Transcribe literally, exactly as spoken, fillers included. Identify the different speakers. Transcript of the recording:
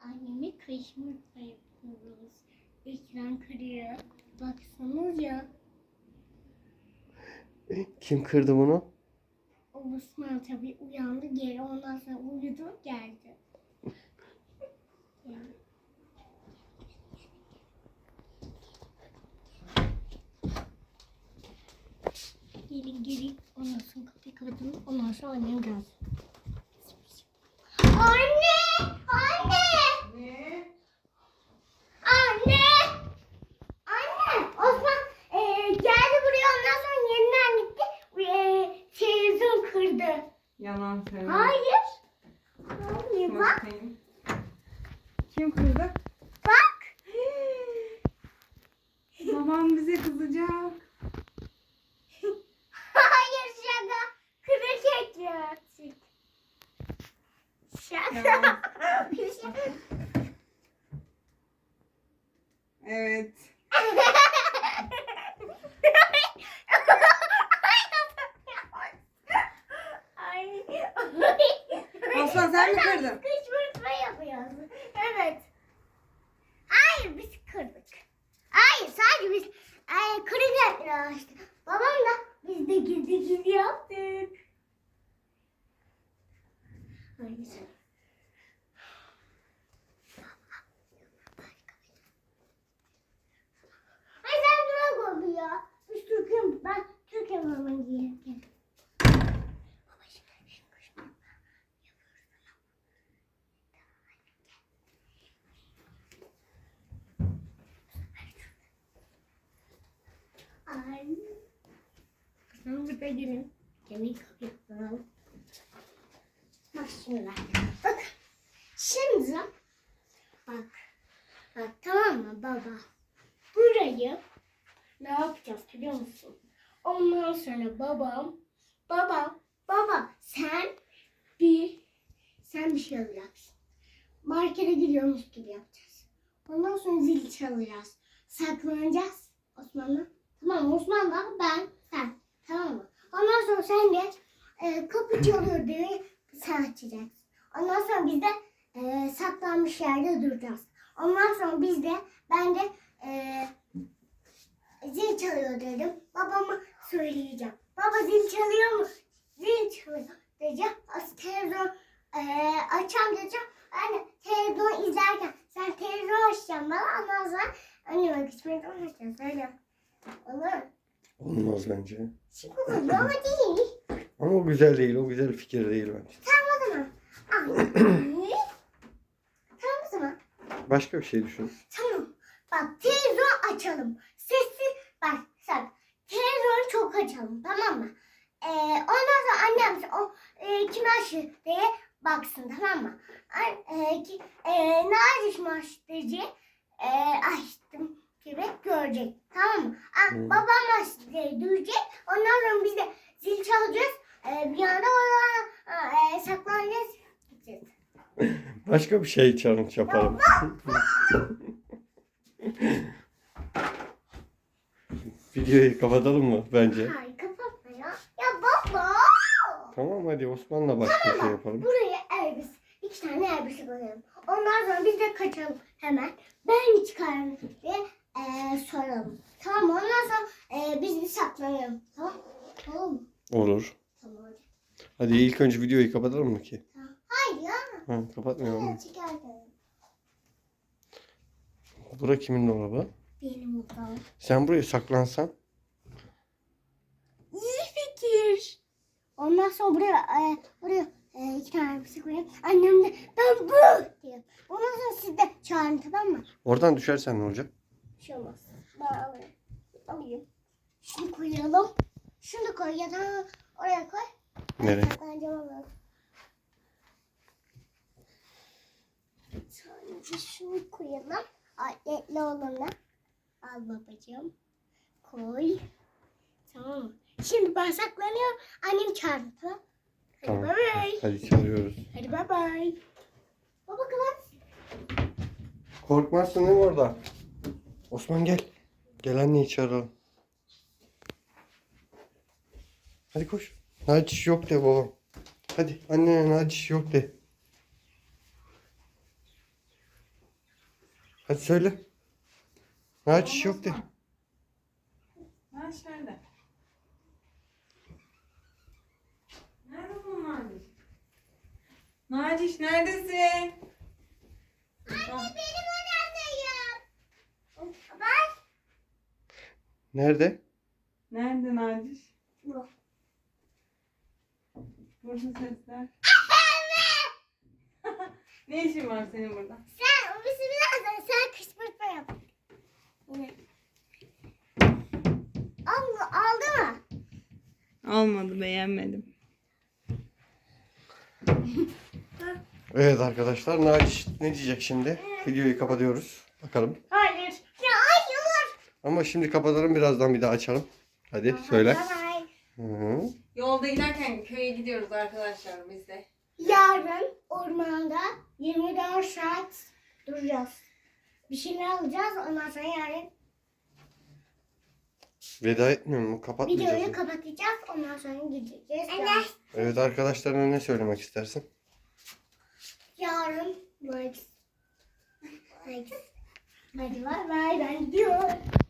Speaker 1: Annemi kışmırtma yapıyoruz. Ekran kırıyor. Baksanıza.
Speaker 2: Kim kırdı bunu?
Speaker 1: O Osman tabii uyandı geri. Ondan sonra uyudu geldi. Yani. Gelin gelin. Ondan sonra kapıyı kapatalım. Ondan sonra annem gelsin. Anne! Anne!
Speaker 3: Ne?
Speaker 1: Anne! Anne! Osman e, geldi buraya ondan sonra yeniden gitti. E, televizyon kırdı.
Speaker 3: Yalan söyle.
Speaker 1: Hayır. Hayır bak.
Speaker 3: Bakayım. Kim kırdı?
Speaker 1: Bak.
Speaker 3: Babam bize kızacak.
Speaker 1: Hayır şaka. Kırık ekmek. Şaka.
Speaker 3: Yalan. Evet.
Speaker 1: Ay.
Speaker 3: Osman sen mi kırdın?
Speaker 1: Kışkırtma yapıyorsun. Evet. Hayır biz kırdık. Hayır sadece biz ay, kırık yaptık işte. Babamla biz de gizli gizli yaptık. Hayır. Ay sen durak oldu ya. Biz Türk'üm. Ben Türk'üm ama giyerken. Baba şimdi kışkırtma yapıyoruz. Ay. Sen burada gelin. Kemik yapalım. Bak şimdi. Bak. Şimdi. Bak. Bak tamam mı baba? Burayı ne yapacağız biliyor musun? Ondan sonra babam. Baba. Baba sen bir sen bir şey alacaksın. Markete gidiyormuş gibi yapacağız. Ondan sonra zil çalacağız. Saklanacağız Osman'la. Tamam mı? Osman'la ben sen. Tamam mı? Ondan sonra sen de e, kapı çalıyor diye sen açacaksın. Ondan sonra biz de e, saklanmış yerde duracağız. Ondan sonra biz de ben de e, zil çalıyor dedim. Babama söyleyeceğim. Baba zil çalıyor mu? Zil çalıyor diyeceğim. Az televizyon e, açacağım diyeceğim. Anne televizyon izlerken sen televizyon açacaksın bana. Ondan sonra anneme kısmet olmayacağız. Öyle. Olur mu?
Speaker 2: Olmaz bence.
Speaker 1: Şimdi olur ama değil.
Speaker 2: Ama o güzel değil. O güzel fikir değil bence.
Speaker 1: Tamam o zaman. Ay. Tamam o zaman.
Speaker 2: Başka bir şey düşün.
Speaker 1: Tamam. Bak televizyon açalım. Sessiz bak sen. Televizyonu çok açalım tamam mı? Ee, ondan sonra annem o e, kim açtı diye baksın tamam mı? An, e, ki, e, ne açmış diye e, açtım gibi görecek tamam mı? A,
Speaker 2: Hmm.
Speaker 1: babam açtı diye duyacak. Ondan sonra biz de zil çalacağız. E, bir anda orada e, saklanacağız. Gideceğiz.
Speaker 2: Başka bir şey challenge yapalım. Videoyu kapatalım mı bence?
Speaker 1: Hayır kapatma ya. Ya baba.
Speaker 2: Tamam hadi Osman'la başka bir şey yapalım.
Speaker 1: Buraya elbise, iki tane elbise koyalım. Ondan sonra biz de kaçalım hemen. Ben mi çıkarım diye e, soralım. Tamam mı? Ondan sonra e, biz de saklanalım. Tamam Tamam mı?
Speaker 2: Olur.
Speaker 1: Tamam hadi.
Speaker 2: Hadi ilk önce videoyu kapatalım mı ki?
Speaker 1: Tamam. Hayır ya.
Speaker 2: Ha, kapatmayalım mı?
Speaker 1: Evet çıkartalım.
Speaker 2: Bura kimin dolabı?
Speaker 1: Benim odam.
Speaker 2: Sen buraya saklansan.
Speaker 1: İyi fikir. Ondan sonra buraya e, buraya e, iki tane elbise koyayım. Annem de ben bu diyor. Ondan sonra siz de çağırın tamam mı?
Speaker 2: Oradan düşersen ne olacak?
Speaker 1: Bir şey olmaz. Ben alayım. Alayım. Şunu koyalım. Şunu koy ya da oraya koy.
Speaker 2: Nereye?
Speaker 1: Saklanacağım onu. Sadece şunu koyalım. Atletli olanı. Al babacığım. Koy. Tamam mı? Şimdi ben saklanıyorum. Annem çağırdı tamam. Hadi
Speaker 2: Tamam.
Speaker 1: bay bay.
Speaker 2: Hadi çalıyoruz.
Speaker 1: Hadi bay bay. Baba kapat.
Speaker 2: Korkmazsın değil mi orada? Osman gel. Gel anneyi çağıralım. Hadi koş. Naciş yok de babam. Hadi annene Naciş yok de. Hadi söyle. Naciş yok de.
Speaker 3: Naciş nerede? Nerede bu Naciş? Naciş neredesin?
Speaker 1: Anne benim odamdayım. Bak.
Speaker 2: Nerede?
Speaker 3: Nerede Naciş?
Speaker 1: Bu.
Speaker 3: Burada sesler. Ne işin var senin burada?
Speaker 1: Sen o bizi birazdan sen kışkırtma yap. Yine. Aldı, aldı mı?
Speaker 3: Olmadı, beğenmedim.
Speaker 2: Evet arkadaşlar, Naciş ne diyecek şimdi? Videoyu kapatıyoruz. Bakalım.
Speaker 1: Hayır. Ya hayır.
Speaker 2: Ama şimdi kapatalım, birazdan bir daha açalım. Hadi söyle.
Speaker 1: Bye bye.
Speaker 2: Hı hı.
Speaker 3: Yolda giderken köye gidiyoruz arkadaşlar biz de.
Speaker 1: Yarın ormanda yirmi dört saat duracağız. Bir şeyler alacağız. Ondan sonra yarın
Speaker 2: Veda etmiyor mu? Kapatmayacağız
Speaker 1: videoyu
Speaker 2: mı?
Speaker 1: kapatacağız. Ondan sonra gideceğiz.
Speaker 2: Evet, arkadaşlarına ne söylemek istersin?
Speaker 1: Yarın like. Like. Hadi bay bay, ben gidiyorum.